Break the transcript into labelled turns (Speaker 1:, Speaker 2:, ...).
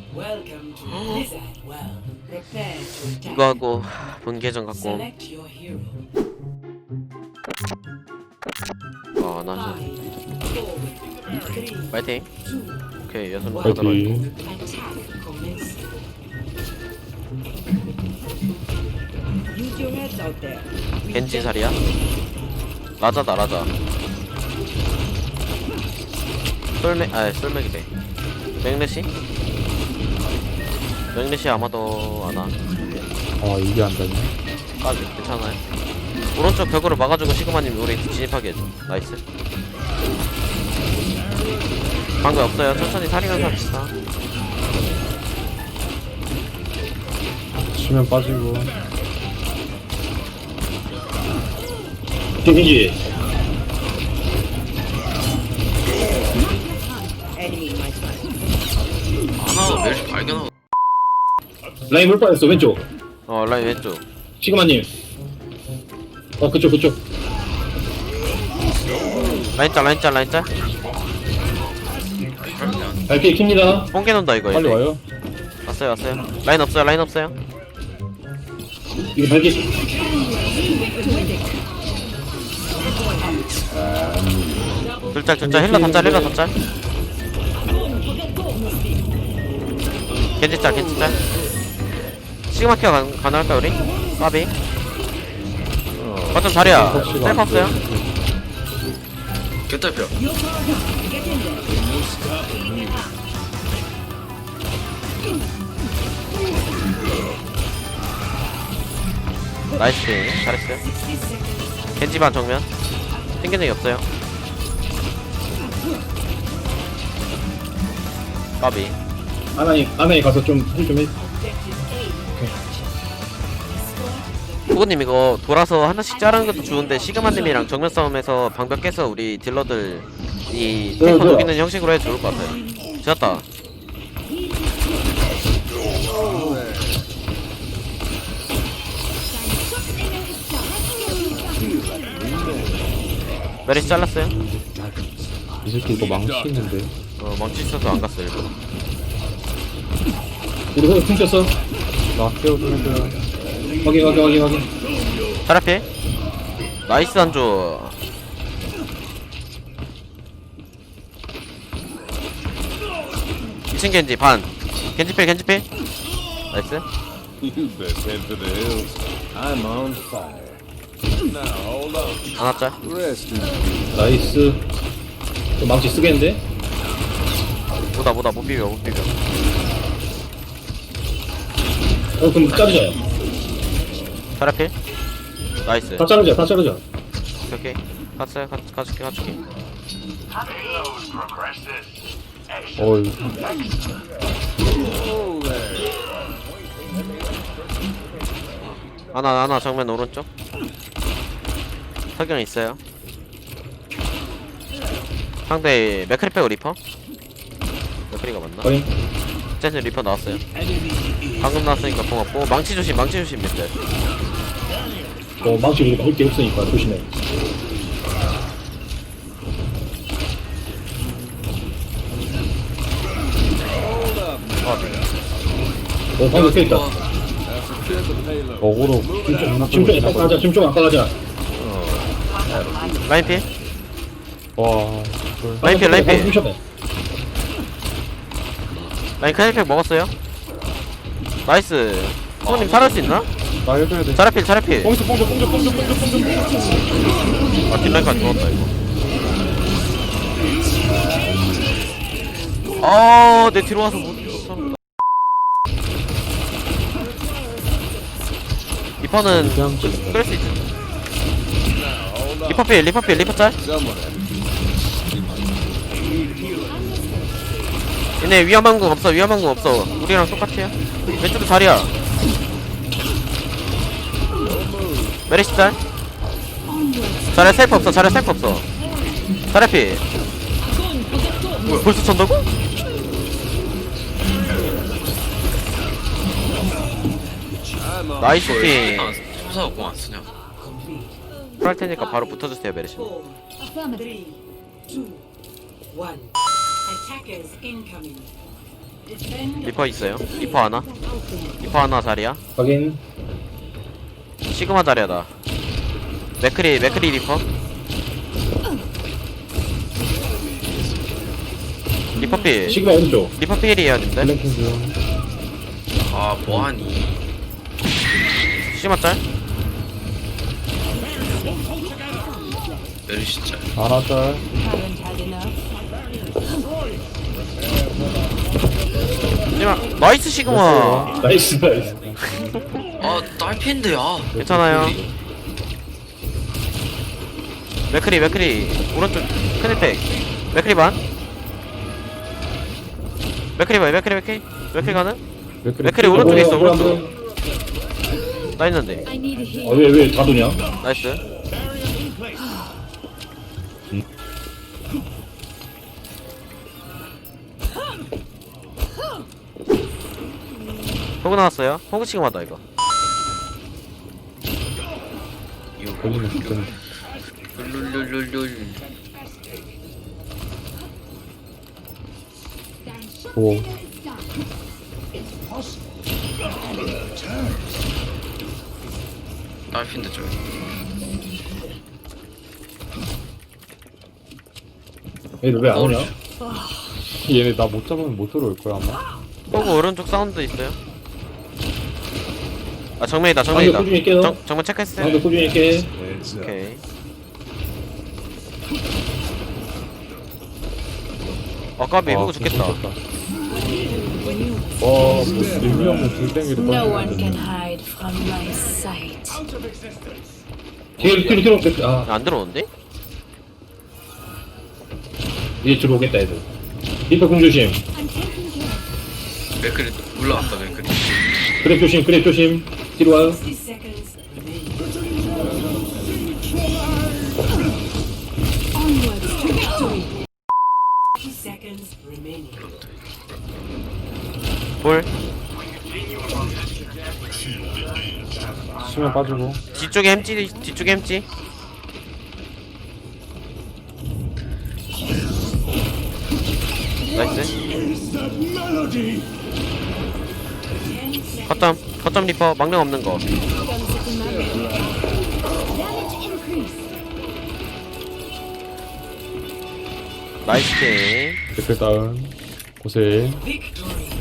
Speaker 1: Welcome to Blizzard World. Prepare to attack.
Speaker 2: 이거 하고 본 계정 갖고
Speaker 1: Select your hero.
Speaker 2: 나
Speaker 1: 5, 4, 3,
Speaker 2: 파이팅.
Speaker 1: 2,
Speaker 2: 오케이 여섯 명
Speaker 3: 파이팅.
Speaker 1: attack commence. Use your heads out there.
Speaker 2: 겐지 살이야? 라자다 라자. 솔맥이래. 맥레시? 맥레시 아마도 안와.
Speaker 3: 아 이게 안 되네.
Speaker 2: 까비 괜찮아요. 오른쪽 벽으로 막아주고 시그마님 우리 진입하게 해줘. 나이스. 방금 없어요. 천천히 살이면서 합시다.
Speaker 3: 치면 빠지고.
Speaker 4: 겐지
Speaker 1: Enemy, my son.
Speaker 2: 하나 멜시 발견하고.
Speaker 4: 라인 물 뻔했어 왼쪽
Speaker 2: 라인 왼쪽.
Speaker 4: 시그마님 그쪽
Speaker 2: 라인 짤.
Speaker 4: 발키리 킵니다
Speaker 2: 뽕개 논다 이거.
Speaker 3: 빨리
Speaker 2: 얘네.
Speaker 3: 와요.
Speaker 2: 왔어요. 라인 없어요.
Speaker 4: 이거 발키리
Speaker 2: 둘짤 힐러 덧짤. 겐지 짤. 시그마 키어 가능할까 우리? 까비. 어쩜 자리야. 셀프 없어요? 개딸뼈. 나이스. 잘했어요. 겐지반 정면. 튕긴 적이 없어요. 까비.
Speaker 4: 아나에 가서 좀 해.
Speaker 2: 후보님 이거 돌아서 하나씩 자르는 것도 좋은데 시그마님이랑 정면 싸움에서 방벽 깨서 우리 딜러들 이 탱커
Speaker 4: 뭐야.
Speaker 2: 녹이는 형식으로 해도 좋을 것 같아요. 지었다. 메리스 잘랐어요?
Speaker 3: 이 새끼 이거 망치 있는데.
Speaker 2: 망치 있어서 안 갔어요 일부러.
Speaker 4: 우리 거기 퉁쳤어
Speaker 3: 나 깨워 좀 해줘요.
Speaker 4: 확인
Speaker 2: 타라피 나이스 한조. 이층 겐지 반. 겐지필 나이스.
Speaker 5: You best head for the hills. I'm on fire. Now hold on.
Speaker 2: 하나짤.
Speaker 5: Rest in peace.
Speaker 4: 나이스 또 망치 쓰겠는데?
Speaker 2: 보다 못 비벼.
Speaker 4: 그럼 자르자
Speaker 2: 타라피 나이스.
Speaker 4: 다 자르자
Speaker 2: 오케이. 갔어요. 가줄게.
Speaker 3: 어이.
Speaker 2: 하나 정면 오른쪽. 석영 있어요. 상대 맥크리 빼고 리퍼. 맥크리가 맞나?
Speaker 4: 확인
Speaker 2: 쟤는 리퍼 나왔어요. 방금 나왔으니까 고맙고. 망치 조심 밑에.
Speaker 4: 망치 우리가 볼게 없으니까 조심해 방금 껴있다
Speaker 5: Secure the payload.
Speaker 3: 어그로
Speaker 4: 좀 아까 가자
Speaker 2: 라인 피.
Speaker 3: 와.
Speaker 2: 라인 피.
Speaker 4: 훔쳐봐
Speaker 2: 라인 클리팩 먹었어요. 나이스. 손님 살할 수 있나?
Speaker 3: 나 해줘야 돼.
Speaker 2: 자라필.
Speaker 3: 뽕져.
Speaker 2: 뒷라인까지 먹었다 이거. 내 뒤로 와서 못 쳤어. 리퍼는
Speaker 3: 그냥
Speaker 2: 끌 수 있지. 리퍼 짤.
Speaker 5: Someone had
Speaker 2: 얘네 위험한 거 없어. 우리랑 똑같아요. 왼쪽에 자리야. 메리시 짤. 자리야 셀프 없어. 자리피. 벌써 찬다고? 나이스 팀.
Speaker 6: 소사가 공안 쓰냐?
Speaker 2: 그럴 테니까 바로 붙어주세요 메리시.
Speaker 1: 4, 3, 2, 1. Attackers incoming. Defend
Speaker 2: 리퍼 있어요. 리퍼 하나. 리퍼 하나 자리야.
Speaker 4: 확인.
Speaker 2: 시그마 자리야 나. 맥크리 리퍼. 리퍼 필.
Speaker 4: 시그마 오른쪽.
Speaker 2: 리퍼 필이에요 님들.
Speaker 3: 플랭킹 중.
Speaker 2: 아 뭐하니. 시그마 짤. 메르시 짤.
Speaker 3: 하나 짤.
Speaker 1: haven't had enough.
Speaker 2: 시그마 나이스 시그마.
Speaker 4: 나이스 나이스.
Speaker 6: 아 딸핀데야.
Speaker 2: 괜찮아요. 맥크리 오른쪽 큰일팩. 맥크리 반. 맥크리 가는? 맥크리 오른쪽에 있어 오른쪽. 나 있는데.
Speaker 1: I need a heal.
Speaker 4: 왜 다 도냐?
Speaker 2: 나이스. 호그 나왔어요. 호그 지금하다 이거.
Speaker 3: 걸리면 진짜.
Speaker 6: 룰룰룰룰.
Speaker 3: 오.
Speaker 6: 딸핀데 저.
Speaker 4: 얘들 왜 안 오냐?
Speaker 3: 얘네 나 못 잡으면 못 들어올 거야 아마.
Speaker 2: 호그 오른쪽 사운드 있어요. 아 정면이다.
Speaker 4: 방금 꾸준히 깨요.
Speaker 2: 정면 체크했어요.
Speaker 4: 방금 꾸준히 깨.
Speaker 2: 오케이. 까비 호그 죽겠다.
Speaker 3: 와, 의미 없는 불땡이를
Speaker 1: No one
Speaker 3: 던지는데.
Speaker 1: can hide from my sight.
Speaker 4: 뒤로 아
Speaker 2: 안 들어오는데?
Speaker 4: 이제 들어오겠다 애들. 리퍼 공 조심.
Speaker 6: 맥크리 올라왔다 맥크리.
Speaker 4: 그랩 조심. 뒤로 와요.
Speaker 1: 60 seconds remaining. Onwards to victory. 30 seconds remaining.
Speaker 2: 볼.
Speaker 3: 수면 빠지고.
Speaker 2: 뒤쪽에 햄찌. 나이스. 거점 리퍼 망령 없는 거. 나이스 킹.
Speaker 3: 댓글 다운. 고생.
Speaker 1: Victory.